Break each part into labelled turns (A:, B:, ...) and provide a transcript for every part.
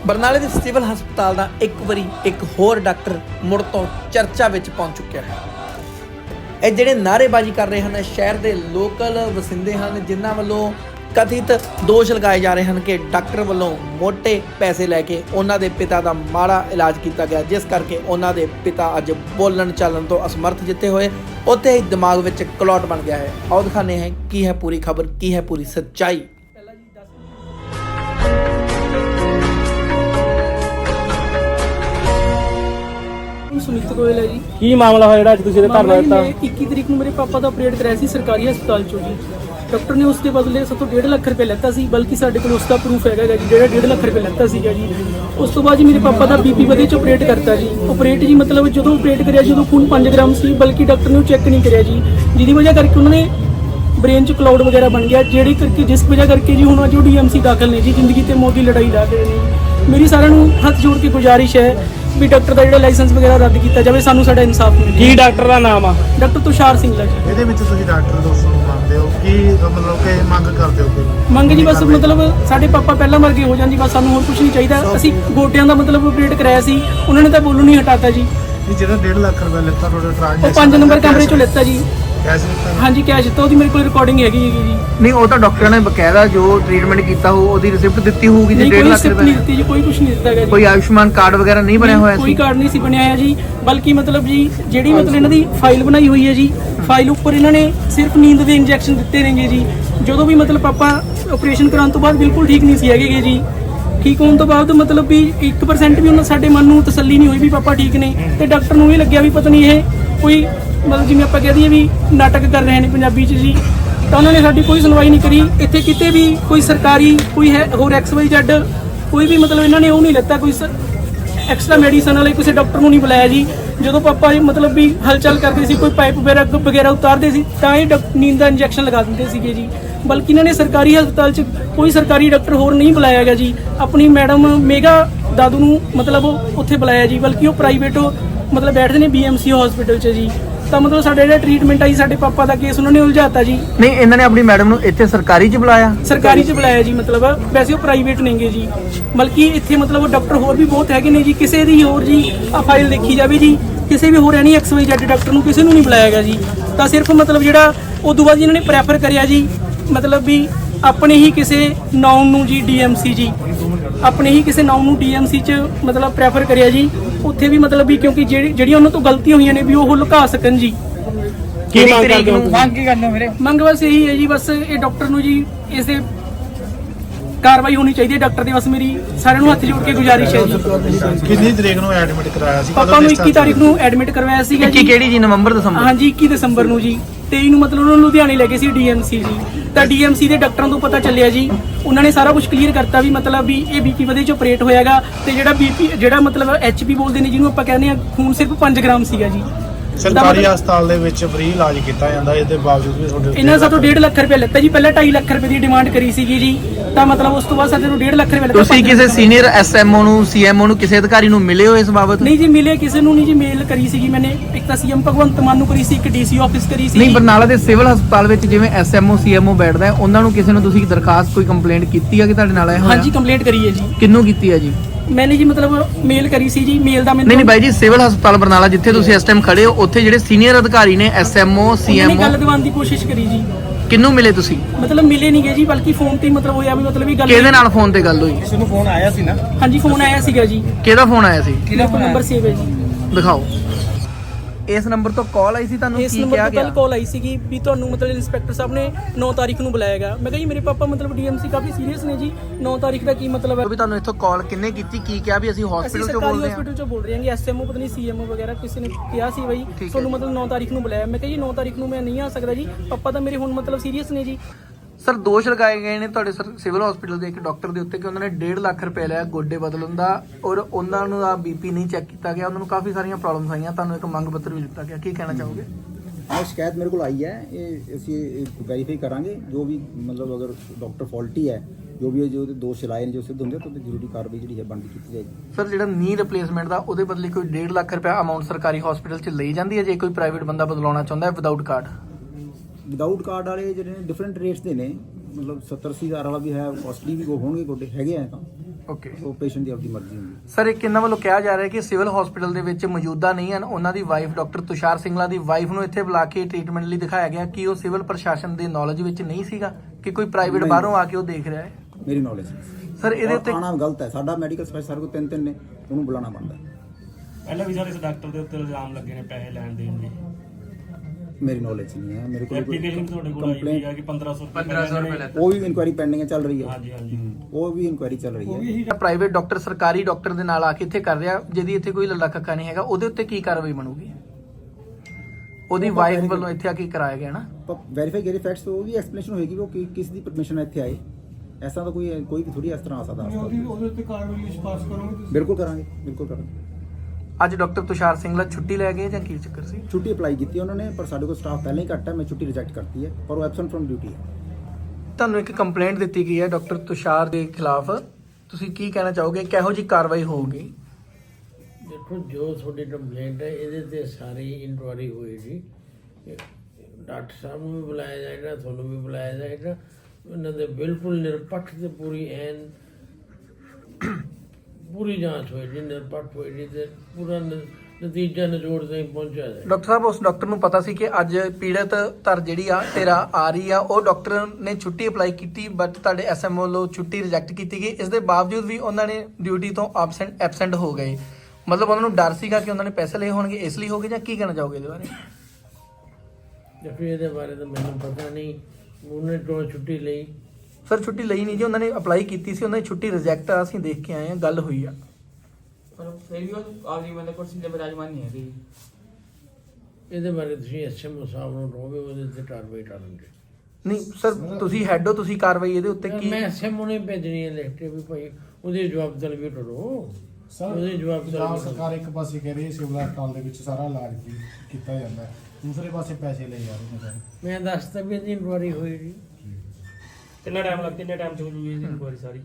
A: ਬਰਨਾਲੇ ਦੇ ਸਿਵਲ ਹਸਪਤਾਲ ਦਾ ਇੱਕ ਵਾਰੀ ਇੱਕ ਹੋਰ ਡਾਕਟਰ ਮੁੜ ਤੋਂ ਚਰਚਾ ਵਿੱਚ ਪਹੁੰਚ ਚੁੱਕਿਆ ਹੈ। ਇਹ ਜਿਹੜੇ ਨਾਅਰੇਬਾਜ਼ੀ ਕਰ ਰਹੇ ਹਨ ਸ਼ਹਿਰ ਦੇ ਲੋਕਲ ਵਸਿੰਦੇ ਹਨ, ਜਿਨ੍ਹਾਂ ਵੱਲੋਂ ਕਥਿਤ ਦੋਸ਼ ਲਗਾਏ ਜਾ ਰਹੇ ਹਨ ਕਿ ਡਾਕਟਰ ਵੱਲੋਂ ਮੋٹے ਪੈਸੇ ਲੈ ਕੇ ਉਹਨਾਂ ਦੇ ਪਿਤਾ ਦਾ ਮਾੜਾ ਇਲਾਜ ਕੀਤਾ ਗਿਆ, ਜਿਸ ਕਰਕੇ ਉਹਨਾਂ ਦੇ ਪਿਤਾ ਅੱਜ ਬੋਲਣ ਚੱਲਣ ਤੋਂ ਅਸਮਰਥ ਜਿੱਥੇ ਹੋਏ ਉੱਥੇ ਹੀ ਦਿਮਾਗ ਵਿੱਚ ਕਲੌਟ ਬਣ ਗਿਆ ਹੈ। ਆਓ ਦਿਖਾਉਂਦੇ ਹਾਂ ਕੀ ਹੈ ਪੂਰੀ ਖਬਰ, ਕੀ ਹੈ ਪੂਰੀ ਸੱਚਾਈ।
B: ਸੁਨੀਤ ਗੋਇਲ ਹੈ ਜੀ।
C: ਕੀ ਮਾਮਲਾ ਹੋਇਆ ਜਿਹੜਾ ਅੱਜ ਤੁਸੀਂ ਇਹਦੇ ਧਰਨਾ ਦਿੱਤਾ?
B: 21 ਤਰੀਕ ਨੂੰ ਮੇਰੇ ਪਾਪਾ ਦਾ ਆਪਰੇਟ ਕਰਾਇਆ ਸੀ ਸਰਕਾਰੀ ਹਸਪਤਾਲ ਚੋਂ ਜੀ। ਡਾਕਟਰ ਨੇ ਉਸ ਦੇ ਬਦਲੇ ਸਾਤੋਂ 1.5 ਲੱਖ ਰੁਪਏ ਲੈਤਾ ਸੀ, ਬਲਕਿ ਸਾਡੇ ਕੋਲ ਉਸ ਦਾ ਪ੍ਰੂਫ ਹੈਗਾ ਜੀ, ਜਿਹੜਾ 1.5 ਲੱਖ ਰੁਪਏ ਲੈਤਾ ਸੀਗਾ ਜੀ। ਉਸ ਤੋਂ ਬਾਅਦ ਜੀ ਮੇਰੇ ਪਾਪਾ ਦਾ ਬੀਪੀ ਵਧੇ ਚ ਆਪਰੇਟ ਕਰਤਾ ਜੀ। ਆਪਰੇਟ ਜੀ ਮਤਲਬ ਜਦੋਂ ਆਪਰੇਟ ਕਰਿਆ ਜੀ ਉਦੋਂ ਖੂਨ 5 ਗ੍ਰਾਮ ਸੀ, ਬਲਕਿ ਡਾਕਟਰ ਨੇ ਉਹ ਚੈੱਕ ਨਹੀਂ ਕਰਿਆ ਜੀ, ਜਿਹਦੀ ਵਜ੍ਹਾ ਕਰਕੇ ਉਹਨਾਂ ਨੇ ਬ੍ਰੇਨ 'ਚ ਕਲਾਉਡ ਵਗੈਰਾ ਬਣ ਗਿਆ, ਜਿਹੜੀ ਕਰਕੇ ਜਿਸ ਵਜ੍ਹਾ ਕਰਕੇ ਜੀ ਹੁਣ ਅੱਜ ਉਹ DMC ਦਾਖਲ ਨੇ ਜੀ। ਜ਼ਿੰਦਗੀ ਤੇ ਮੌਤ ਦੀ ਲੜਾਈ ਲੜ ਰਹੇ ਨੇ। ਮੇਰੀ ਸਾਰਿਆਂ ਨੂੰ ਹੱਥ ਜੋੜ ਕੇ ਗੁਜ਼ਾਰਿਸ਼ ਹੈ ਵੀ ਡਾਕਟਰ ਦਾ ਜਿਹੜਾ ਲਾਇਸੈਂਸ ਵਗੈਰਾ ਰੱਦ ਕੀਤਾ ਜਾਵੇ, ਸਾਨੂੰ ਸਾਡਾ ਇਨਸਾਫ ਮਿਲੇ।
C: ਕੀ ਡਾਕਟਰ ਦਾ ਨਾਮ ਆ?
B: ਡਾਕਟਰ ਤੁਸ਼ਾਰ ਸਿੰਘਲਾ ਜੀ।
D: ਇਹਦੇ ਵਿੱਚ ਤੁਸੀਂ ਡਾਕਟਰ ਦੋਸਤ ਨੂੰ ਮੰਨਦੇ ਹੋ ਕੀ ਮਤਲਬ ਕਿ ਮੰਗ ਕਰਦੇ ਹੋ ਕੋਈ?
B: ਮੰਗ ਜੀ ਬਸ ਮਤਲਬ ਸਾਡੇ ਪਾਪਾ ਪਹਿਲਾਂ ਵਰਗੇ ਹੋ ਜਾਣ ਜੀ, ਬਸ ਸਾਨੂੰ ਹੋਰ ਕੁਝ ਨਹੀਂ ਚਾਹੀਦਾ। ਅਸੀਂ ਗੋਟਿਆਂ ਦਾ ਮਤਲਬ ਆਪਰੇਟ ਕਰਾਇਆ ਸੀ, ਉਹਨਾਂ ਨੇ ਤਾਂ ਬੋਲੂ ਨਹੀਂ ਹਟਾਤਾ ਜੀ।
D: ਜਿਹੜਾ 1.5 ਲੱਖ ਰੁਪਏ ਲਿੱਤਾ ਤੁਹਾਡਾ
B: ਉਹ
D: ਟ੍ਰਾਂਜੈਕਸ਼ਨ
B: 5 ਨੰਬਰ ਕਮਰੇ ਚੋਂ ਲਿੱਤਾ ਜੀ।
D: ਕੈਸ਼ ਲਿੱਤਾ?
B: ਹਾਂਜੀ ਕੈਸ਼ ਦਿੱਤਾ, ਉਹਦੀ ਮੇਰੇ ਕੋਲ ਰਿਕਾਰਡਿੰਗ ਹੈਗੀ ਜੀ।
A: ਨਹੀਂ ਉਹ ਤਾਂ ਡਾਕਟਰਾਂ ਨੇ ਬਕਾਇਦਾ ਜੋ ਟ੍ਰੀਟਮੈਂਟ ਕੀਤਾ ਹੋ ਉਹਦੀ ਰਿਸਿਪਟ ਦਿੱਤੀ ਹੋਊਗੀ
B: ਨਹੀਂ
A: ਤੇ 1.5
B: ਕੋਈ
A: ਲੱਖ
B: ਸਿਫਟ
A: ਰੁਪਏ
B: ਨਹੀਂ ਦਿੱਤੀ ਜੀ, ਕੋਈ ਕੁਝ ਨਹੀਂ ਦਿੱਤਾ ਹੈਗਾ ਜੀ।
A: ਕੋਈ ਆਯੁਸ਼ਮਾਨ ਕਾਰਡ ਵਗੈਰਾ ਨਹੀਂ ਬਣਿਆ ਹੋਇਆ
B: ਕੋਈ
A: ਸੀ?
B: ਕਾਰਡ ਨਹੀਂ ਸੀ ਬਣਿਆ ਹੋਇਆ ਜੀ, ਬਲਕਿ ਮਤਲਬ ਜੀ ਜਿਹੜੀ ਮਤਲਬ ਇਹਨਾਂ ਦੀ ਫਾਈਲ ਬਣਾਈ ਹੋਈ ਹੈ ਜੀ, ਫਾਈਲ ਉੱਪਰ ਇਹਨਾਂ ਨੇ ਸਿਰਫ ਨੀਂਦ ਦੇ ਇੰਜੈਕਸ਼ਨ ਦਿੱਤੇ ਨੇਗੇ ਜੀ। ਜਦੋਂ ਵੀ ਮਤਲਬ ਪਾਪਾ ਆਪਰੇਸ਼ਨ ਕਰਾਉਣ ਤੋਂ ਬਾਅਦ ਬਿਲਕੁਲ ਠੀਕ ਨਹੀਂ ਸੀ ਹੈਗੇ ਜੀ। ਠੀਕ ਹੋਣ ਤੋਂ ਬਾਅਦ ਮਤਲਬ ਵੀ 1% ਵੀ ਉਹਨਾਂ ਸਾਡੇ ਮਨ ਨੂੰ ਤਸੱਲੀ ਨਹੀਂ ਹੋਈ ਵੀ ਪਾਪਾ ਠੀਕ ਨੇ, ਤੇ ਡਾਕਟਰ ਨੂੰ ਇਹ ਲੱਗਿਆ ਵੀ ਪਤਾ ਨਹੀਂ ਇਹ ਕੋਈ ਮਤਲਬ ਜਿਵੇਂ ਆਪਾਂ ਕਹਿ ਦਈਏ ਵੀ ਨਾਟਕ ਕਰ ਰਹੇ ਨੇ ਪੰਜਾਬੀ 'ਚ ਜੀ। ਤਾਂ ਉਹਨਾਂ ਨੇ ਸਾਡੀ ਕੋਈ ਸੁਣਵਾਈ ਨਹੀਂ ਕਰੀ। ਇੱਥੇ ਕਿਤੇ ਵੀ ਕੋਈ ਸਰਕਾਰੀ ਕੋਈ ਹੈ ਹੋਰ XYZ ਕੋਈ ਵੀ ਮਤਲਬ ਇਹਨਾਂ ਨੇ ਉਹ ਨਹੀਂ ਲੱਤਾ, ਕੋਈ ਐਕਸਟਰਾ ਮੈਡੀਸਨ ਵਾਲੇ ਕਿਸੇ ਡਾਕਟਰ ਨੂੰ ਨਹੀਂ ਬੁਲਾਇਆ ਜੀ। ਜਦੋਂ ਪਾਪਾ ਮਤਲਬ ਵੀ ਹਲਚਲ ਕਰਦੇ ਸੀ, ਕੋਈ ਪਾਈਪ ਵਗੈਰਾ ਉਤਾਰਦੇ ਸੀ, ਤਾਂ ਇਹ ਨੀਂਦ ਦਾ ਇੰਜੈਕਸ਼ਨ ਲਗਾ ਦਿੰਦੇ ਸੀਗੇ ਜੀ। ਬਲਕਿ ਇਹਨਾਂ ਨੇ ਸਰਕਾਰੀ ਹਸਪਤਾਲ 'ਚ ਕੋਈ ਸਰਕਾਰੀ ਡਾਕਟਰ ਹੋਰ ਨਹੀਂ ਬੁਲਾਇਆ ਗਿਆ ਜੀ। ਆਪਣੀ ਮੈਡਮ ਮੇਗਾ ਦਾਦੂ ਨੂੰ ਮਤਲਬ ਉੱਥੇ ਬੁਲਾਇਆ ਜੀ, ਬਲਕਿ ਉਹ ਪ੍ਰਾਈਵੇਟ ਮਤਲਬ ਬੈਠਦੇ ਨੇ BMC ਹਸਪੀਟਲ 'ਚ ਜੀ। ਤਾਂ ਮਤਲਬ ਸਾਡਾ ਜਿਹੜਾ ਟ੍ਰੀਟਮੈਂਟ ਆਈ ਸਾਡੇ ਪਾਪਾ ਦਾ ਕੇਸ ਉਹਨਾਂ ਨੇ ਉਲਝਾਤਾ ਜੀ।
A: ਨਹੀਂ ਇਹਨਾਂ ਨੇ ਆਪਣੀ ਮੈਡਮ ਨੂੰ ਇੱਥੇ ਸਰਕਾਰੀ 'ਚ ਬੁਲਾਇਆ?
B: ਸਰਕਾਰੀ 'ਚ ਬੁਲਾਇਆ ਜੀ, ਮਤਲਬ ਵੈਸੇ ਉਹ ਪ੍ਰਾਈਵੇਟ ਨੇਗੇ ਜੀ। ਬਲਕਿ ਇੱਥੇ ਮਤਲਬ ਡਾਕਟਰ ਹੋਰ ਵੀ ਬਹੁਤ ਹੈਗੇ ਨੇ ਜੀ। ਕਿਸੇ ਦੀ ਹੋਰ ਜੀ ਆ ਫਾਈਲ ਦੇਖੀ ਜਾਵੇ ਜੀ, ਕਿਸੇ ਵੀ ਹੋਰ ਐਨੀ XYZ ਡਾਕਟਰ ਨੂੰ ਕਿਸੇ ਨੂੰ ਨਹੀਂ ਬੁਲਾਇਆ ਗਿਆ ਜੀ। ਤਾਂ ਸਿਰਫ ਮਤਲਬ ਜਿਹੜਾ ਉਦੋਂ ਬਾਅਦ ਜੀ ਇਹਨਾਂ ਨੇ ਪ੍ਰੈਫਰ ਕਰਿਆ ਜੀ ਮਤਲਬ ਵੀ ਆਪਣੇ ਹੀ ਕਿਸੇ ਨਾਮ ਨੂੰ ਜੀ DMC ਜੀ, ਆਪਣੇ ਹੀ ਕਿਸੇ ਨਾਮ ਨੂੰ DMC 'ਚ ਮਤਲਬ ਪ੍ਰੈਫਰ ਕਰਿਆ ਜੀ। ਉੱਥੇ ਵੀ ਮਤਲਬ ਵੀ ਕਿਉਂਕਿ ਜਿਹੜੀਆਂ ਉਹਨਾਂ ਤੋਂ ਗਲਤੀਆਂ ਹੋਈਆਂ ਨੇ ਵੀ ਉਹ ਲੁਕਾ ਸਕਣ ਜੀ।
C: ਕੀ ਮੰਗ ਕਰਦੇ ਹੋ?
B: ਮੰਗ ਬਸ ਇਹੀ ਹੈ ਜੀ, ਬਸ ਇਹ ਡਾਕਟਰ ਨੂੰ ਜੀ ਇਸ ਦੇ ਕਾਰਵਾਈ ਹੋਣੀ ਚਾਹੀਦੀ ਹੈ ਡਾਕਟਰ ਦੀ। ਬਸ ਮੇਰੀ ਸਾਰਿਆਂ ਨੂੰ ਹੱਥ ਜੋੜ ਕੇ ਗੁਜ਼ਾਰਿਸ਼ ਹੈ ਜੀ।
D: ਕਿੰਨੀ ਤਰੀਕ ਨੂੰ ਐਡਮਿਟ ਕਰਾਇਆ ਸੀ?
B: ਪਾਪਾ ਨੂੰ 21 ਤਾਰੀਖ ਨੂੰ ਐਡਮਿਟ ਕਰਵਾਇਆ ਸੀਗਾ ਜੀ।
A: ਕਿਹੜੀ ਜੀ? ਨਵੰਬਰ ਦਸੰਬਰ?
B: ਹਾਂਜੀ 21 ਦਸੰਬਰ ਨੂੰ ਜੀ। 23 ਨੂੰ ਮਤਲਬ ਉਹਨਾਂ ਨੂੰ ਲੁਧਿਆਣੇ ਲੈ ਗਏ ਸੀ DMC ਜੀ। ਤਾਂ DMC ਦੇ ਡਾਕਟਰਾਂ ਤੋਂ ਪਤਾ ਚੱਲਿਆ ਜੀ, ਉਹਨਾਂ ਨੇ ਸਾਰਾ ਕੁਝ ਕਲੀਅਰ ਕਰਤਾ ਵੀ ਮਤਲਬ ਵੀ ਇਹ BP ਵਧੇ 'ਚ ਆਪਰੇਟ ਹੋਇਆਗਾ, ਤੇ ਜਿਹੜਾ BP ਜਿਹੜਾ ਮਤਲਬ HP ਬੋਲਦੇ ਨੇ ਜਿਹਨੂੰ ਆਪਾਂ ਕਹਿੰਦੇ ਆ, ਖੂਨ ਸਿਰਫ 5 ਗ੍ਰਾਮ ਸੀਗਾ ਜੀ।
D: ਸਰਕਾਰੀ ਹਸਪਤਾਲ ਦੇ ਵਿੱਚ ਫ੍ਰੀ ਇਲਾਜ ਕੀਤਾ ਜਾਂਦਾ, ਇਹਦੇ ਬਾਵਜੂਦ ਵੀ ਤੁਹਾਡੇ
B: ਇਹਨਾਂ ਸਾਤੋਂ 1.5 ਲੱਖ ਰੁਪਏ ਲੈਤਾ ਜੀ। ਪਹਿਲਾਂ 2.5 ਲੱਖ ਰੁਪਏ ਦੀ ਡਿਮਾਂਡ ਕਰੀ ਸੀਗੀ ਜੀ, ਤਾਂ ਮਤਲਬ ਉਸ ਤੋਂ ਬਾਅਦ ਸਾਡੇ ਨੂੰ 1.5 ਲੱਖ ਰੁਪਏ ਲੈਤਾ।
A: ਤੁਸੀਂ ਕਿਸੇ ਸੀਨੀਅਰ SMO ਨੂੰ CMO ਨੂੰ ਕਿਸੇ ਅਧਿਕਾਰੀ ਨੂੰ ਮਿਲੇ ਹੋ ਇਸ ਬਾਬਤ?
B: ਨਹੀਂ ਜੀ ਮਿਲੇ ਕਿਸੇ ਨੂੰ ਨਹੀਂ ਜੀ। ਮੇਲ ਕਰੀ ਸੀਗੀ ਮੈਨੇ, ਇੱਕ ਤਾਂ CM ਭਗਵੰਤ ਮਾਨ ਨੂੰ ਕਰੀ ਸੀ, ਇੱਕ DC ਆਫਿਸ ਕਰੀ ਸੀ।
A: ਨਹੀਂ ਬਰਨਾਲਾ ਦੇ ਸਿਵਲ ਹਸਪਤਾਲ ਵਿੱਚ ਜਿਵੇਂ SMO CMO ਬੈਠਦਾ ਹੈ, ਉਹਨਾਂ ਨੂੰ ਕਿਸੇ ਨੂੰ ਤੁਸੀਂ ਦਰਖਾਸਤ ਕੋਈ ਕੰਪਲੇਂਟ ਕੀਤੀ ਹੈ ਕਿ ਤੁਹਾਡੇ ਨਾਲ ਆਇਆ ਹੋਇਆ?
B: ਹਾਂਜੀ ਕੰਪਲੇਂਟ ਕਰੀ ਹੈ ਜੀ।
A: ਕਿੰਨੂੰ ਕੀਤੀ ਹੈ ਜੀ?
B: ਮੈਨੇ ਜੀ ਮਤਲਬ ਮੇਲ ਕਰੀ ਸੀ ਜੀ। ਮੇਲ ਦਾ ਮੈਨੂੰ
A: ਨਹੀਂ ਬਾਈ ਜੀ, ਸਿਵਲ ਹਸਪਤਾਲ ਬਰਨਾਲਾ ਜਿੱਥੇ ਤੁਸੀਂ ਇਸ ਟਾਈਮ ਖੜੇ ਹੋ ਉੱਥੇ ਜਿਹੜੇ ਸੀਨੀਅਰ ਅਧਿਕਾਰੀ ਨੇ SMO
B: ਉਹਨਾਂ ਨੇ ਗੱਲ
A: CMO
B: ਦਿਵਾਉਣ ਦੀ ਕੋਸ਼ਿਸ਼ ਕਰੀ ਜੀ।
A: ਕਿੰਨੂੰ ਮਿਲੇ ਤੁਸੀਂ?
B: ਮਤਲਬ ਮਿਲੇ ਨਹੀਂ ਗਏ ਜੀ, ਬਲਕਿ ਫੋਨ ਤੇ ਹੀ ਮਤਲਬ ਹੋਇਆ ਵੀ ਮਤਲਬ ਇਹ ਗੱਲ।
A: ਕਿਹਦੇ ਨਾਲ ਫੋਨ ਤੇ ਗੱਲ ਹੋਈ?
D: ਕਿਸੇ ਨੂੰ ਫੋਨ ਆਇਆ ਸੀ ਨਾ?
B: ਹਾਂਜੀ ਫੋਨ ਆਇਆ ਸੀਗਾ ਜੀ।
A: ਕਿਹਦਾ ਫੋਨ ਆਇਆ ਸੀ?
B: ਮੇਰੇ ਕੋਲ ਨੰਬਰ ਸੇਵ ਹੈ ਜੀ।
A: ਦਿਖਾਓ। ਇਸ ਨੰਬਰ ਤੋਂ ਕਾਲ ਆਈ ਸੀ ਤੁਹਾਨੂੰ?
B: ਇਸ
A: ਕੀ
B: ਨੰਬਰ
A: ਕਿਹਾ
B: ਤੋਂ ਕੱਲ
A: ਗਿਆ?
B: ਕਾਲ ਆਈ ਸੀਗੀ ਵੀ ਤੁਹਾਨੂੰ ਮਤਲਬ ਇੰਸਪੈਕਟਰ ਸਾਹਿਬ ਨੇ 9 ਤਾਰੀਖ ਨੂੰ ਬੁਲਾਇਆਗਾ। ਮੈਂ ਕਿਹਾ ਜੀ ਮੇਰੇ ਪਾਪਾ ਮਤਲਬ DMC ਕਾਫੀ ਸੀਰੀਅਸ ਨੇ ਜੀ, 9 ਤਾਰੀਖ ਦਾ ਕੀ ਮਤਲਬ ਹੈ?
A: ਵੀ ਤੁਹਾਨੂੰ ਇੱਥੋਂ ਕਾਲ ਕਿੰਨੇ ਕੀਤੀ? ਕੀ ਕਿਹਾ ਵੀ ਅਸੀਂ
B: ਅਸੀਂ
A: ਹਸਪੀਟਲ ਚੋਂ
B: ਸਰਕਾਰੀ
A: ਬੋਲਦੇ ਹਾਂ?
B: ਹਸਪੀਟਲ ਚੋਂ ਬੋਲ ਰਹੇ ਹਾਂ ਜੀ। SMO ਪਤਾ ਨਹੀਂ CMO ਵਗੈਰਾ ਕਿਸੇ ਨੇ ਕਿਹਾ ਸੀ ਬਈ ਤੁਹਾਨੂੰ ਮਤਲਬ 9 ਤਾਰੀਖ ਨੂੰ ਬੁਲਾਇਆ। ਮੈਂ ਕਿਹਾ ਜੀ 9 ਤਾਰੀਖ ਨੂੰ ਮੈਂ ਨਹੀਂ ਆ ਸਕਦਾ ਜੀ, ਪਾਪਾ ਤਾਂ ਮੇਰੇ ਹੁਣ ਮਤਲਬ ਸੀਰੀਅਸ ਨੇ ਜੀ।
A: ਸਰ ਦੋਸ਼ ਲਗਾਏ ਗਏ ਨੇ ਤੁਹਾਡੇ ਸਿਵਲ ਹਸਪੀਟਲ ਦੇ ਇੱਕ ਡਾਕਟਰ ਦੇ ਉੱਤੇ ਕਿ ਉਹਨਾਂ ਨੇ 1.5 ਲੱਖ ਰੁਪਏ ਲਿਆ ਗੋਡੇ ਬਦਲਣ ਦਾ, ਔਰ ਉਹਨਾਂ ਨੂੰ ਆ BP ਨਹੀਂ ਚੈੱਕ ਕੀਤਾ ਗਿਆ, ਉਹਨਾਂ ਨੂੰ ਕਾਫੀ ਸਾਰੀਆਂ ਪ੍ਰੋਬਲਮਸ ਆਈਆਂ, ਤੁਹਾਨੂੰ ਇੱਕ ਮੰਗ ਪੱਤਰ ਵੀ ਦਿੱਤਾ ਗਿਆ। ਕੀ ਕਹਿਣਾ ਚਾਹੋਗੇ?
E: ਇਹ ਸ਼ਿਕਾਇਤ ਮੇਰੇ ਕੋਲ ਆਈ ਹੈ, ਇਹ ਅਸੀਂ ਵੈਰੀਫਾਈ ਕਰਾਂਗੇ। ਜੋ ਵੀ ਮਤਲਬ ਅਗਰ ਡਾਕਟਰ ਫਾਲਟੀ ਹੈ, ਜੋ ਵੀ ਜੋ ਦੋਸ਼ ਲਾਏ ਨੇ ਜੋ ਸਿੱਧ ਹੁੰਦੇ ਤਾਂ ਉਹਦੀ ਜ਼ਰੂਰੀ ਕਾਰਵਾਈ ਜਿਹੜੀ ਹੈ ਬਣਦੀ ਕੀਤੀ ਜਾਏਗੀ।
A: ਸਰ ਜਿਹੜਾ ਨੀ ਰਿਪਲੇਸਮੈਂਟ ਦਾ ਉਹਦੇ ਬਦਲੇ ਕੋਈ 1.5 ਲੱਖ ਰੁਪਏ ਅਮਾਉਂਟ ਸਰਕਾਰੀ ਹਸਪੀਟਲ 'ਚ ਲਈ ਜਾਂਦੀ ਹੈ ਜੇ ਕੋਈ ਪ੍ਰਾਈਵੇਟ ਬੰਦਾ ਬਦਲਾਉਣਾ ਚਾਹੁੰਦਾ ਹੈ ਵਿਦਆਊਟ ਕਾਰਡ?
E: ਵਿਦਆਊਟ ਕਾਰਡ ਵਾਲੇ ਜਿਹੜੇ ਨੇ ਡਿਫਰੈਂਟ ਰੇਟਸ ਦੇ ਨੇ, ਮਤਲਬ 70-80 ਹਜ਼ਾਰ ਵਾਲਾ ਵੀ ਹੈ, ਕਾਸਟਲੀ ਵੀ ਹੋਣਗੇ ਗੋਡੇ ਹੈਗੇ ਆ ਤਾਂ।
A: ਓਕੇ
E: ਉਹ ਪੇਸ਼ੈਂਟ ਦੀ ਆਪਣੀ ਮਰਜ਼ੀ ਹੁੰਦੀ ਹੈ।
A: ਸਰ, ਇੱਕ ਇਹਨਾਂ ਵੱਲੋਂ ਕਿਹਾ ਜਾ ਰਿਹਾ ਕਿ ਸਿਵਲ ਹਸਪੀਟਲ ਦੇ ਵਿੱਚ ਮੌਜੂਦਾ ਨਹੀਂ ਹਨ, ਉਹਨਾਂ ਦੀ ਵਾਈਫ ਡਾਕਟਰ ਤੁਸ਼ਾਰ ਸਿੰਗਲਾ ਦੀ ਵਾਈਫ ਨੂੰ ਇੱਥੇ ਬੁਲਾ ਕੇ ਟ੍ਰੀਟਮੈਂਟ ਲਈ ਦਿਖਾਇਆ ਗਿਆ। ਕਿ ਉਹ ਸਿਵਲ ਪ੍ਰਸ਼ਾਸਨ ਦੇ ਨੌਲੇਜ ਵਿੱਚ ਨਹੀਂ ਸੀਗਾ ਕਿ ਕੋਈ ਪ੍ਰਾਈਵੇਟ
E: ਨਹੀਂ।
A: ਬਾਹਰੋਂ ਆ ਕੇ ਉਹ ਦੇਖ ਰਿਹਾ ਹੈ?
E: ਮੇਰੀ ਨੌਲੇਜ
A: ਸਰ, ਇਹਦੇ ਉੱਤੇ
E: ਆਉਣਾ ਗਲਤ ਹੈ। ਸਾਡਾ ਮੈਡੀਕਲ ਸਪੈਸ਼ਲਿਸਟ ਸਾਡੇ ਕੋਲ ਤਿੰਨ ਨੇ, ਉਹਨੂੰ ਬੁਲਾਉਣਾ ਬਣਦਾ ਹੈ।
C: ਪਹਿਲਾਂ ਵੀ ਸਾਰੇ ਇਸ ਡਾਕਟਰ ਦੇ ਉੱਤੇ ਇਲਜ਼ਾਮ ਲੱਗੇ ਨੇ ਪੈਸੇ ਲੈਣ ਦੇਣ ਦੇ।
E: ਮੇਰੀ ਨੌਲੇਜ ਨਹੀਂ ਹੈ, ਮੇਰੇ ਕੋਲ
C: ਐਪਲੀਕੇਸ਼ਨ ਤੁਹਾਡੇ ਕੋਲ ਆਈ ਹੋਈ ਹੈ ਕਿ 1500 ਰੁਪਏ
E: ਉਹ ਵੀ ਇਨਕੁਆਇਰੀ ਪੈਂਡਿੰਗ ਹੈ, ਚੱਲ ਰਹੀ ਹੈ।
C: ਹਾਂਜੀ ਹਾਂਜੀ।
E: ਉਹ ਵੀ ਇਨਕੁਆਇਰੀ ਚੱਲ ਰਹੀ ਹੈ।
A: ਪ੍ਰਾਈਵੇਟ ਡਾਕਟਰ ਸਰਕਾਰੀ ਡਾਕਟਰ ਦੇ ਨਾਲ ਆ ਕੇ ਇੱਥੇ ਕਰ ਰਿਹਾ, ਜਿਹਦੀ ਇੱਥੇ ਕੋਈ ਲੱਲਾ ਕੱਕਾ ਨਹੀਂ ਹੈਗਾ, ਉਹਦੇ ਉੱਤੇ ਕੀ ਕਾਰਵਾਈ ਬਣੂਗੀ? ਉਹਦੀ ਵਾਈਫ ਵੱਲੋਂ ਇੱਥੇ ਆ ਕੇ ਕਰਾਇਆ ਗਿਆ ਨਾ,
E: ਵੈਰੀਫਾਈ ਕਰੇ ਫੈਕਟਸ ਤੋਂ, ਉਹ ਵੀ ਐਕਸਪਲੇਨੇਸ਼ਨ ਹੋਏਗੀ ਉਹ ਕਿਸ ਦੀ ਪਰਮਿਸ਼ਨ ਇੱਥੇ ਆਏ। ਐਸਾ ਤਾਂ ਕੋਈ ਵੀ ਥੋੜੀ ਇਸ ਤਰ੍ਹਾਂ ਆ ਸਕਦਾ।
D: ਉਹਦੇ ਉੱਤੇ ਕਾਰਵਾਈ ਸਿਫਾਰਸ਼ ਕਰੋਗੇ?
E: ਬਿਲਕੁਲ ਕਰਾਂਗੇ, ਬਿਲਕੁਲ ਕਰਾਂਗੇ।
A: ਅੱਜ ਡਾਕਟਰ ਤੁਸ਼ਾਰ ਸਿੰਗਲਾ ਛੁੱਟੀ ਲੈ ਗਏ ਜਾਂ ਕੀ ਚੱਕਰ ਸੀ?
E: ਛੁੱਟੀ ਅਪਲਾਈ ਕੀਤੀ ਉਹਨਾਂ ਨੇ, ਪਰ ਸਾਡੇ ਕੋਲ ਸਟਾਫ ਪਹਿਲਾਂ ਹੀ ਘੱਟ ਹੈ, ਮੈਂ ਛੁੱਟੀ ਰਿਜੈਕਟ ਕਰਤੀ ਹੈ, ਪਰ ਉਹ ਐਬਸੈਂਟ ਫਰਮ ਡਿਊਟੀ ਹੈ।
A: ਤੁਹਾਨੂੰ ਇੱਕ ਕੰਪਲੇਂਟ ਦਿੱਤੀ ਗਈ ਹੈ ਡਾਕਟਰ ਤੁਸ਼ਾਰ ਦੇ ਖਿਲਾਫ, ਤੁਸੀਂ ਕੀ ਕਹਿਣਾ ਚਾਹੋਗੇ? ਕਿਹੋ ਜਿਹੀ ਕਾਰਵਾਈ ਹੋਊਗੀ?
F: ਦੇਖੋ, ਜੋ ਤੁਹਾਡੀ ਕੰਪਲੇਂਟ ਹੈ ਇਹਦੇ ਤੇ ਸਾਰੀ ਇਨਕੁਆਇਰੀ ਹੋਈ ਜੀ। ਡਾਕਟਰ ਸਾਹਿਬ ਨੂੰ ਵੀ ਬੁਲਾਇਆ ਜਾਏਗਾ, ਤੁਹਾਨੂੰ ਵੀ ਬੁਲਾਇਆ ਜਾਏਗਾ। ਉਹਨਾਂ ਦੇ ਬਿਲਕੁਲ ਨਿਰਪੱਖ ਤੇ ਪੂਰੀ ਜਾਂਚ ਹੋਈ ਜੀ, ਨਿਰਪੱਖ ਹੋਈ ਜੀ ਤੇ ਪੂਰਾ ਨਤੀਜਾ ਨਿਚੋੜ ਤੇ ਪਹੁੰਚਿਆ ਜਾਏ।
A: ਡਾਕਟਰ ਸਾਹਿਬ, ਉਸ ਡਾਕਟਰ ਨੂੰ ਪਤਾ ਸੀ ਕਿ ਅੱਜ ਪੀੜਤ ਧਰ ਜਿਹੜੀ ਆ ਤੇਰਾ ਆ ਰਹੀ ਆ, ਉਹ ਡਾਕਟਰ ਨੇ ਛੁੱਟੀ ਅਪਲਾਈ ਕੀਤੀ, ਬਟ ਤੁਹਾਡੇ ਐਸਐਮਓ ਵੱਲੋਂ ਛੁੱਟੀ ਰਿਜੈਕਟ ਕੀਤੀ ਗਈ। ਇਸ ਦੇ ਬਾਵਜੂਦ ਵੀ ਉਹਨਾਂ ਨੇ ਡਿਊਟੀ ਤੋਂ ਐਬਸੈਂਟ ਹੋ ਗਏ। ਮਤਲਬ ਉਹਨਾਂ ਨੂੰ ਡਰ ਸੀਗਾ ਕਿ ਉਹਨਾਂ ਨੇ ਪੈਸੇ ਲਏ ਹੋਣਗੇ, ਇਸ ਲਈ ਹੋ ਗਏ, ਜਾਂ ਕੀ ਕਹਿਣਾ ਚਾਹੋਗੇ ਇਹਦੇ ਬਾਰੇ?
F: ਦੇਖੋ, ਇਹਦੇ ਬਾਰੇ ਤਾਂ ਮੈਨੂੰ ਪਤਾ ਨਹੀਂ, ਉਹਨੇ ਕਿਉਂ ਛੁੱਟੀ ਲਈ।
A: ਸਰ, ਛੁੱਟੀ ਲਈ ਨਹੀਂ ਜੀ, ਉਹਨਾਂ ਨੇ ਅਪਲਾਈ ਕੀਤੀ ਸੀ, ਉਹਨਾਂ ਦੀ ਛੁੱਟੀ ਰਿਜੈਕਟ ਆ, ਅਸੀਂ ਦੇਖ ਕੇ ਆਏ ਹਾਂ, ਗੱਲ ਹੋਈ ਆ।
G: ਪਰ ਫਿਰ ਵੀ ਉਹ ਆਪਣੀ ਮਤਲਬ ਕੁਰਸੀ ਤੇ ਬਿਰਾਜਮਾਨ ਨਹੀਂ ਹੈਗੀ।
F: ਇਹਦੇ ਬਾਰੇ ਤੁਸੀਂ ਐਸਐਮਓ ਸਾਹਿਬ ਨੂੰ ਕਹੋਗੇ, ਉਹਦੇ ਤੇ ਕਾਰਵਾਈ ਕਰਨਗੇ।
A: ਨਹੀਂ ਸਰ, ਤੁਸੀਂ ਹੈਡ ਹੋ, ਤੁਸੀਂ ਕਾਰਵਾਈ ਇਹਦੇ ਉੱਤੇ ਕੀ?
F: ਮੈਂ ਐਸਐਮਓ ਨੇ ਭੇਜਣੀ ਹੈ ਲਿਖ ਕੇ ਵੀ ਭਾਈ ਉਹਦੀ ਜਵਾਬ ਤਲਬੀ ਕਰੋ। ਉਹਦੀ ਜਵਾਬ
D: ਪੰਜਾਬ
F: ਤਲਬੀ
D: ਸਰਕਾਰ ਇੱਕ ਪਾਸੇ ਕਹਿ ਰਹੀ ਹੈ ਸਿਵਲ ਹਸਪਤਾਲ ਦੇ ਵਿੱਚ ਸਾਰਾ ਇਲਾਜ ਕੀਤਾ ਜਾਂਦਾ ਹੈ, ਦੂਸਰੇ ਪਾਸੇ ਪੈਸੇ ਲਏ ਜਾ ਰਹੇ ਨੇ।
F: ਮੈਂ ਦੱਸਤਾ ਵੀ ਇਹਦੀ ਇਨਕੁਆਇਰੀ ਹੋਈ ਜੀ।
C: ਕਿੰਨਾ ਟਾਈਮ ਚ ਹੋ ਜੂਗੀ ਇਹਦੀ ਇਨਕੁਆਇਰੀ ਸਾਰੀ?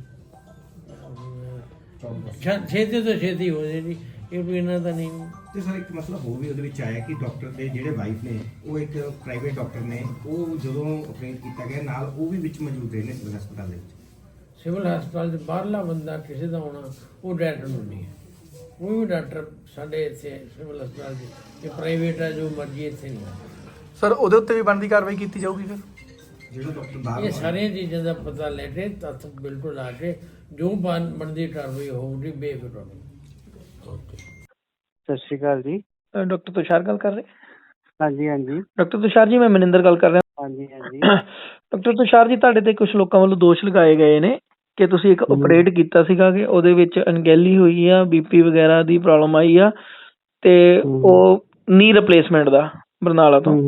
F: ਛੇਤੀ ਤੋਂ ਛੇਤੀ ਹੋ ਜੇ ਜੀ, ਇਹ ਵੀ ਇਹਨਾਂ ਦਾ ਨਹੀਂ।
H: ਤੇ ਸਰ ਇੱਕ ਮਸਲਾ ਹੋਰ ਵੀ ਉਹਦੇ ਵਿੱਚ ਆਇਆ ਕਿ ਡਾਕਟਰ ਦੇ ਜਿਹੜੇ ਵਾਈਫ ਨੇ ਉਹ ਇੱਕ ਪ੍ਰਾਈਵੇਟ ਡਾਕਟਰ ਨੇ, ਉਹ ਜਦੋਂ ਆਪਰੇਟ ਕੀਤਾ ਗਿਆ ਨਾਲ ਉਹ ਵੀ ਵਿੱਚ ਮੌਜੂਦ ਰਹੇ ਨੇ ਸਿਵਲ ਹਸਪਤਾਲ ਦੇ ਵਿੱਚ।
F: ਸਿਵਲ ਹਸਪਤਾਲ 'ਚ ਬਾਹਰਲਾ ਬੰਦਾ ਕਿਸੇ ਦਾ ਹੋਣਾ ਉਹ ਡਾਕਟਰ ਨੂੰ ਨਹੀਂ ਹੈ। ਕੋਈ ਵੀ ਡਾਕਟਰ ਸਾਡੇ ਇੱਥੇ ਸਿਵਲ ਹਸਪਤਾਲ 'ਚ ਇਹ ਪ੍ਰਾਈਵੇਟ ਹੈ, ਜੋ ਮਰਜ਼ੀ ਇੱਥੇ ਨਹੀਂ ਹੈ।
A: ਸਰ, ਉਹਦੇ ਉੱਤੇ ਵੀ ਬਣਦੀ ਕਾਰਵਾਈ ਕੀਤੀ ਜਾਊਗੀ ਫਿਰ?
H: ਜਿਹੜਾ ਡਾਕਟਰ ਬਾਹਰ
F: ਇਹ ਸਾਰੀਆਂ ਚੀਜ਼ਾਂ ਦਾ ਪਤਾ ਲੈ ਕੇ ਤੱਥ ਬਿਲਕੁਲ ਆ ਕੇ ਜੋ ਬਣਦੀ ਕਾਰਵਾਈ ਹੋਊਗੀ ਬੇਫਿਕਰ ਰਹੋ।
I: ਸਤਿ ਸ਼੍ਰੀ ਅਕਾਲ ਜੀ।
A: ਡਾਕਟਰ ਤੁਸ਼ਾਰ ਗੱਲ ਕਰ ਰਹੇ?
I: ਹਾਂਜੀ ਹਾਂਜੀ
A: ਡਾਕਟਰ ਤੁਸ਼ਾਰ ਜੀ, ਮੈਂ ਮਨਿੰਦਰ ਗੱਲ ਕਰ ਰਿਹਾ।
I: ਹਾਂਜੀ ਹਾਂਜੀ
A: ਡਾਕਟਰ ਤੁਸ਼ਾਰ ਜੀ, ਤੁਹਾਡੇ ਤੇ ਕੁਝ ਲੋਕਾਂ ਵੱਲੋਂ ਦੋਸ਼ ਲਗਾਏ ਗਏ ਨੇ ਕਿ ਤੁਸੀਂ ਇੱਕ ਆਪਰੇਟ ਕੀਤਾ ਸੀਗਾ ਕਿ ਉਹਦੇ ਵਿੱਚ ਅਣਗਹਿਲੀ ਹੋਈ ਆ, ਬੀਪੀ ਵਗੈਰਾ ਦੀ ਪ੍ਰੋਬਲਮ ਆਈ ਆ, ਤੇ ਉਹ ਨੀ ਰਿਪਲੇਸਮੈਂਟ ਦਾ ਬਰਨਾਲਾ ਤੋਂ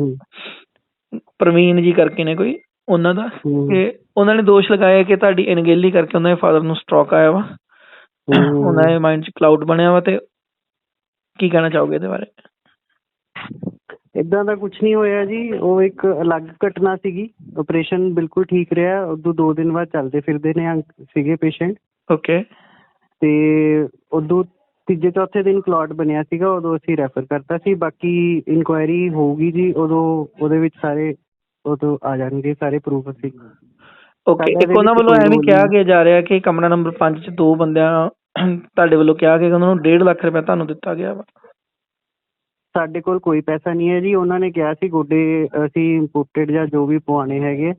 A: ਪ੍ਰਵੀਨ ਜੀ ਕਰਕੇ ਨੇ ਕੋਈ ਉਹਨਾਂ ਦਾ, ਕਿ ਉਹਨਾਂ ਨੇ ਦੋਸ਼ ਲਗਾਇਆ ਕਿ ਤੁਹਾਡੀ ਅਣਗਹਿਲੀ ਕਰਕੇ ਉਹਨਾਂ ਦੇ ਫਾਦਰ ਨੂੰ ਸਟ੍ਰੋਕ ਆਇਆ ਵਾ, ਉਹਨਾਂ ਦੇ ਮਾਈਂਡ 'ਚ ਕਲਾਊਡ ਬਣਿਆ ਵਾ, ਤੇ ਕੀ ਕਹਿਣਾ ਚਾਹੋਗੇ ਇਹਦੇ ਬਾਰੇ?
I: ਏਦਾਂ ਦਾ ਕੁਝ ਨਹੀਂ ਹੋਇਆ ਜੀ, ਉਹ ਇੱਕ ਅਲੱਗ ਘਟਨਾ ਸੀਗੀ। ਆਪਰੇਸ਼ਨ ਬਿਲਕੁਲ ਠੀਕ ਰਿਹਾ, ਉਦੋਂ 2 ਦਿਨ ਬਾਅਦ ਚੱਲਦੇ ਫਿਰਦੇ ਨੇ ਸੀਗੇ ਪੇਸ਼ੈਂਟ।
A: ਓਕੇ।
I: ਤੇ ਉਦੋਂ ਤੀਜੇ ਚੌਥੇ ਦਿਨ ਕਲੌਟ ਬਣਿਆ ਸੀਗਾ, ਉਦੋਂ ਅਸੀਂ ਰੈਫਰ ਕਰਤਾ ਸੀ। ਬਾਕੀ ਇਨਕੁਆਇਰੀ ਹੋਊਗੀ ਜੀ, ਉਦੋਂ ਉਹਦੇ ਵਿੱਚ ਸਾਰੇ ਉਦੋਂ ਆ ਜਾਣਗੇ ਸਾਰੇ ਪ੍ਰੂਫ। ਅਸੀਂ
A: ਓਕੇ। ਇੱਕ ਉਹਨਾਂ ਵੱਲੋਂ ਐਵੇਂ ਕਿਹਾ ਗਿਆ ਜਾ ਰਿਹਾ ਕਿ ਕਮਰਾ ਨੰਬਰ 5 'ਚ 2 ਬੰਦਿਆਂ ਤੁਹਾਡੇ ਵੱਲੋਂ ਕਿਹਾ ਕਿ ਉਹਨਾਂ ਨੂੰ 1.5 ਲੱਖ ਰੁਪਏ ਤੁਹਾਨੂੰ ਦਿੱਤਾ ਗਿਆ ਵਾ।
I: ਸਾਡੇ ਕੋਲ ਕੋਈ ਪੈਸਾ ਨਹੀਂ ਹੈ ਜੀ। ਉਹਨਾਂ ਨੇ ਕਿਹਾ ਸੀ ਗੋਡੇ ਅਸੀਂ ਇੰਪੋਰਟਡ ਜਾਂ ਜੋ ਵੀ ਪਵਾਉਣੇ ਹੈਗੇ,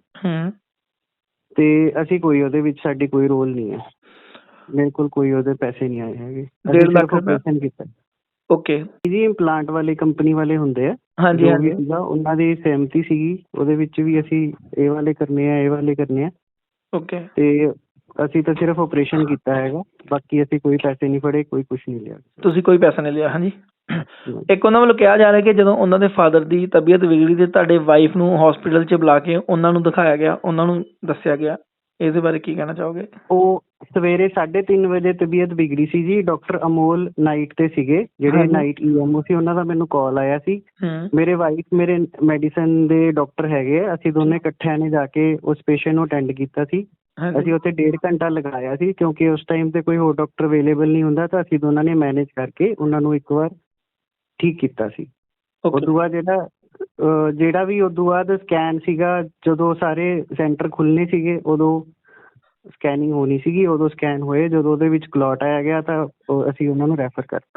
I: ਤੇ ਅਸੀਂ ਕੋਈ ਉਹਦੇ ਵਿੱਚ ਸਾਡੀ ਕੋਈ ਰੋਲ ਨਹੀਂ ਹੈ। ਮੇਰੇ ਕੋਲ ਕੋਈ ਉਹਦੇ ਪੈਸੇ ਨਹੀਂ ਆਏ ਹੈਗੇ।
A: 1.5 ਲੱਖ ਰੁਪਏ
I: ਕੀਤਾ।
A: ਓਕੇ
I: ਜੀ, ਇੰਪਲਾਂਟ ਵਾਲੇ ਕੰਪਨੀ ਵਾਲੇ ਹੁੰਦੇ ਆ।
A: ਹਾਂਜੀ ਹਾਂਜੀ।
I: ਉਹਨਾਂ ਦੀ ਸਹਿਮਤੀ ਸੀਗੀ, ਉਹਦੇ ਵਿੱਚ ਵੀ ਅਸੀਂ ਇਹ ਵਾਲੇ ਕਰਨੇ ਆ, ਇਹ ਵਾਲੇ ਕਰਨੇ ਆ।
A: ਓਕੇ।
I: ਤੇ ਅਸੀਂ ਤਾਂ ਸਿਰਫ ਆਪਰੇਸ਼ਨ ਕੀਤਾ ਹੈਗਾ, ਬਾਕੀ ਅਸੀਂ ਕੋਈ ਪੈਸੇ ਨਹੀਂ ਫੜੇ, ਕੋਈ ਕੁਝ ਨਹੀਂ ਲਿਆ।
A: ਤੁਸੀਂ ਕੋਈ ਪੈਸਾ ਨਹੀਂ ਲਿਆ? ਹਾਂਜੀ। ਇੱਕ ਉਹਨਾਂ ਵੱਲੋਂ ਕਿਹਾ ਜਾ ਰਿਹਾ ਕਿ ਜਦੋਂ ਉਹਨਾਂ ਦੇ ਫਾਦਰ ਦੀ ਤਬੀਅਤ ਵਿਗੜੀ ਤੇ ਤੁਹਾਡੇ ਵਾਈਫ ਨੂੰ ਹਸਪੀਟਲ 'ਚ ਬੁਲਾ ਕੇ ਉਹਨਾਂ ਨੂੰ ਦਿਖਾਇਆ ਗਿਆ, ਉਹਨਾਂ ਨੂੰ ਦੱਸਿਆ ਗਿਆ, ਇਹਦੇ ਬਾਰੇ ਕੀ ਕਹਿਣਾ ਚਾਹੋਗੇ?
I: ਉਹ ਸਵੇਰੇ 3:30 ਵਜੇ ਤਬੀਅਤ ਵਿਗੜੀ ਸੀ ਜੀ। ਡਾਕਟਰ ਅਮੋਲ ਨਾਈਟ ਤੇ ਸੀਗੇ, ਜਿਹੜੇ ਨਾਈਟ ਈਐਮਓ ਸੀ, ਉਹਨਾਂ ਦਾ ਮੈਨੂੰ ਕਾਲ ਆਇਆ ਸੀ। ਮੇਰੇ ਵਾਈਫ ਮੇਰੇ ਮੈਡੀਸਨ ਦੇ ਡਾਕਟਰ ਹੈਗੇ, ਅਸੀਂ ਦੋਨੇ ਇਕੱਠਿਆਂ ਨੇ ਜਾ ਕੇ ਉਸ ਪੇਸ਼ੈਂਟ ਨੂੰ ਅਟੈਂਡ ਕੀਤਾ ਸੀ। ਅਸੀਂ ਉੱਥੇ 1.5 ਘੰਟਾ ਲਗਾਇਆ ਸੀ, ਕਿਉਂਕਿ ਉਸ ਟਾਈਮ ਤੇ ਕੋਈ ਹੋਰ ਡਾਕਟਰ ਅਵੇਲੇਬਲ ਨਹੀਂ ਹੁੰਦਾ, ਤਾਂ ਅਸੀਂ ਦੋਨਾਂ ਨੇ ਮੈਨੇਜ ਕਰਕੇ ਉਹਨਾਂ ਨੂੰ ਇੱਕ ਵਾਰ ਠੀਕ ਕੀਤਾ ਸੀ। ਉਦੋਂ ਬਾਅਦ ਜਿਹੜਾ ਵੀ ਉਦੋਂ ਬਾਅਦ ਸਕੈਨ ਸੀਗਾ, ਜਦੋਂ ਸਾਰੇ ਸੈਂਟਰ ਖੁੱਲ੍ਹਣੇ ਸੀਗੇ, ਉਦੋਂ ਸਕੈਨਿੰਗ ਹੋਣੀ ਸੀਗੀ, ਉਦੋਂ ਸਕੈਨ ਹੋਏ, ਜਦੋਂ ਉਹਦੇ ਵਿੱਚ ਕਲੌਟ ਆਇਆ ਗਿਆ ਤਾਂ ਅਸੀਂ ਉਹਨਾਂ ਨੂੰ ਰੈਫਰ ਕਰਤਾ।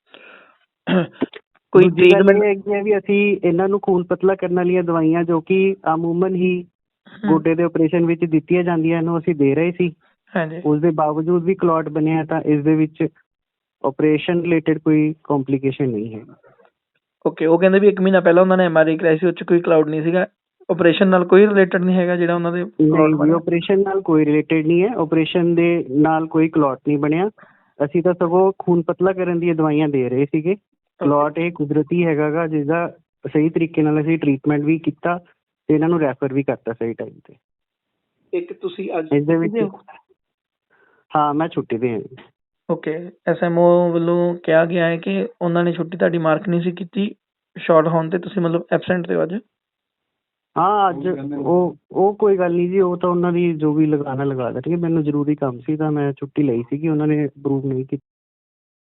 A: ਕੋਈ
I: ਦੂਜੀ ਗੱਲ
A: ਟ੍ਰੀਟਮੈਂਟ?
I: ਇਹ ਹੈਗੀ ਹੈ ਵੀ ਅਸੀਂ ਇਹਨਾਂ ਨੂੰ ਖੂਨ ਪਤਲਾ ਕਰਨ ਵਾਲੀਆਂ ਦਵਾਈਆਂ ਜੋ ਕਿ ਅਮੂਮਨ ਹੀ ਗੋਡੇ ਦੇ ਆਪਰੇਸ਼ਨ ਵਿੱਚ ਦਿੱਤੀਆਂ ਜਾਂਦੀਆਂ ਨੂੰ ਅਸੀਂ ਦੇ ਰਹੇ ਸੀ।
A: ਹਾਂਜੀ।
I: ਉਸ ਦੇ ਬਾਵਜੂਦ ਵੀ ਕਲੌਟ ਬਣਿਆ ਤਾਂ ਇਸ ਦੇ ਵਿੱਚ ਆਪਰੇਸ਼ਨ ਰਿਲੇਟਡ ਕੋਈ ਕੰਪਲਿਕੇਸ਼ਨ ਨਹੀਂ ਹੈ।
A: ਓਕੇ, ਉਹ ਕਹਿੰਦੇ ਵੀ 1 ਮਹੀਨਾ ਪਹਿਲਾਂ ਉਹਨਾਂ ਨੇ MRI ਕਰਾਈ ਸੀ, ਉਹ 'ਚ ਕੋਈ ਕਲਾਊਡ ਨਹੀਂ ਸੀਗਾ। ਆਪਰੇਸ਼ਨ ਨਾਲ ਕੋਈ ਰਿਲੇਟਡ ਨਹੀਂ ਹੈਗਾ ਜਿਹੜਾ ਉਹਨਾਂ ਦੇ
I: ਨਹੀਂ ਜੀ, ਆਪਰੇਸ਼ਨ ਨਾਲ ਕੋਈ ਰਿਲੇਟਡ ਨਹੀਂ ਹੈ, ਆਪਰੇਸ਼ਨ ਦੇ ਨਾਲ ਕੋਈ ਕਲੌਟ ਨਹੀਂ ਬਣਿਆ। ਅਸੀਂ ਤਾਂ ਸਗੋਂ ਖੂਨ ਪਤਲਾ ਕਰਨ ਦੀਆਂ ਦਵਾਈਆਂ ਦੇ ਰਹੇ ਸੀਗੇ। ਕਲੌਟ ਇਹ ਕੁਦਰਤੀ ਹੈਗਾ ਗਾ, ਜਿਸਦਾ ਸਹੀ ਤਰੀਕੇ ਨਾਲ ਅਸੀਂ ਟ੍ਰੀਟਮੈਂਟ ਵੀ ਕੀਤਾ ਤੇ ਇਹਨਾਂ ਨੂੰ ਰੈਫਰ ਵੀ ਕਰਤਾ ਸਹੀ ਟਾਈਮ ਤੇ।
A: ਇੱਕ ਤੁਸੀਂ ਅੱਜ
I: ਇਸ ਦੇ ਵਿੱਚ ਹਾਂ, ਮੈਂ ਛੁੱਟੀ ਤੇ ਹਾਂ ਜੀ।
A: ਓਕੇ, SMO ਵੱਲੋਂ ਕਿਹਾ ਗਿਆ ਹੈ ਕਿ ਉਹਨਾਂ ਨੇ ਛੁੱਟੀ ਤੁਹਾਡੀ ਮਾਰਕ ਨਹੀਂ ਸੀ ਕੀਤੀ ਸ਼ਾਰਟ ਹੋਣ ਤੇ, ਤੁਸੀਂ ਮਤਲਬ ਐਬਸੈਂਟ ਤੇ ਹੋ ਅੱਜ?
I: ਹਾਂ, ਅੱਜ ਉਹ ਕੋਈ ਗੱਲ ਨਹੀਂ ਜੀ, ਉਹ ਤਾਂ ਉਹਨਾਂ ਦੀ ਜੋ ਵੀ ਲਗਾਉਣਾ ਲਗਾ ਦੇਣਗੇ। ਮੈਨੂੰ ਜ਼ਰੂਰੀ ਕੰਮ ਸੀ ਤਾਂ ਮੈਂ ਛੁੱਟੀ ਲਈ ਸੀਗੀ, ਉਹਨਾਂ ਨੇ ਅਪਰੂਵ ਨਹੀਂ ਕੀਤੀ।